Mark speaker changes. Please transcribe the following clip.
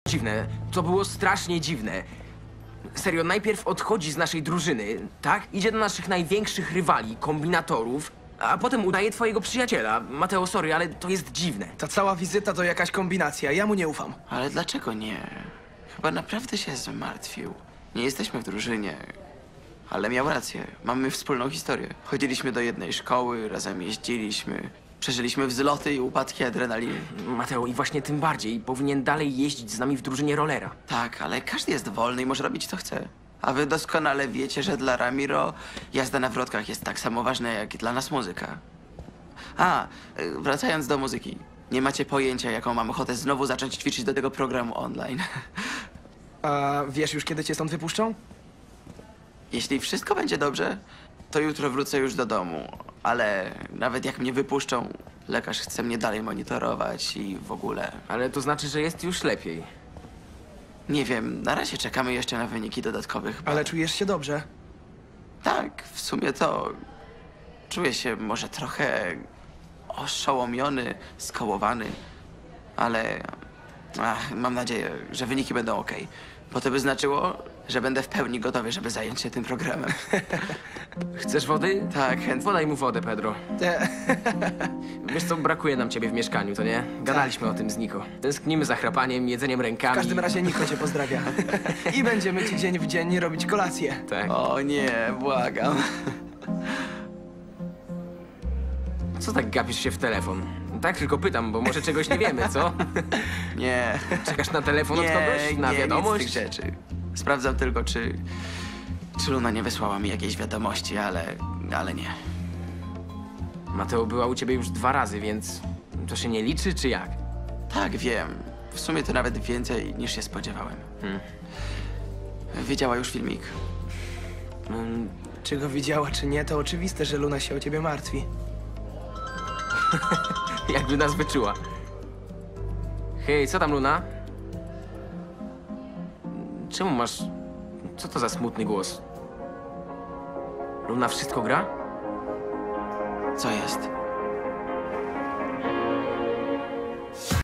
Speaker 1: Dziwne. To było strasznie dziwne. Serio, najpierw odchodzi z naszej drużyny, tak? Idzie do naszych największych rywali, kombinatorów, a potem udaje twojego przyjaciela. Mateo, sorry, ale to jest dziwne.
Speaker 2: Ta cała wizyta to jakaś kombinacja, ja mu nie ufam.
Speaker 3: Ale dlaczego nie? Chyba naprawdę się zmartwił. Nie jesteśmy w drużynie. Ale miał rację. Mamy wspólną historię. Chodziliśmy do jednej szkoły, razem jeździliśmy. Przeżyliśmy wzloty i upadki adrenaliny.
Speaker 1: Mateo, i właśnie tym bardziej powinien dalej jeździć z nami w drużynie rollera.
Speaker 3: Tak, ale każdy jest wolny i może robić co chce. A wy doskonale wiecie, że dla Ramiro jazda na wrotkach jest tak samo ważna jak i dla nas muzyka. Wracając do muzyki. Nie macie pojęcia, jaką mam ochotę znowu zacząć ćwiczyć do tego programu online.
Speaker 2: A wiesz już, kiedy cię stąd wypuszczą?
Speaker 3: Jeśli wszystko będzie dobrze, to jutro wrócę już do domu. Ale nawet jak mnie wypuszczą, lekarz chce mnie dalej monitorować i w ogóle.
Speaker 1: Ale to znaczy, że jest już lepiej.
Speaker 3: Nie wiem, na razie czekamy jeszcze na wyniki dodatkowych.
Speaker 2: Ale czujesz się dobrze?
Speaker 3: Tak, w sumie to czuję się może trochę oszołomiony, skołowany, ale mam nadzieję, że wyniki będą ok. Bo to by znaczyło, że będę w pełni gotowy, żeby zająć się tym programem.
Speaker 1: Chcesz wody?
Speaker 3: Tak, chętnie.
Speaker 1: Podaj mu wodę, Pedro. Wiesz co, brakuje nam ciebie w mieszkaniu, to nie? Gadaliśmy o tym z Niko. Tęsknimy za chrapaniem, jedzeniem rękami.
Speaker 2: W każdym razie Niko cię pozdrawia. I będziemy ci dzień w dzień robić kolację.
Speaker 1: Tak.
Speaker 3: O nie, błagam.
Speaker 1: Co tak gapisz się w telefon? Tak tylko pytam, bo może czegoś nie wiemy, co?
Speaker 3: Nie.
Speaker 1: Czekasz na telefon od kogoś? Na
Speaker 3: nie,
Speaker 1: wiadomość?
Speaker 3: nic z tych rzeczy. Sprawdzam tylko, czy Luna nie wysłała mi jakiejś wiadomości, ale nie.
Speaker 1: Mateo była u ciebie już 2 razy, więc to się nie liczy, czy jak?
Speaker 3: Tak, wiem. W sumie to nawet więcej niż się spodziewałem. Widziała już filmik?
Speaker 2: Czy go widziała, czy nie, to oczywiste, że Luna się o ciebie martwi.
Speaker 1: Jakby nas wyczuła. Hej, co tam, Luna? Czemu masz... Co to za smutny głos? Luna, wszystko gra?
Speaker 3: Co jest?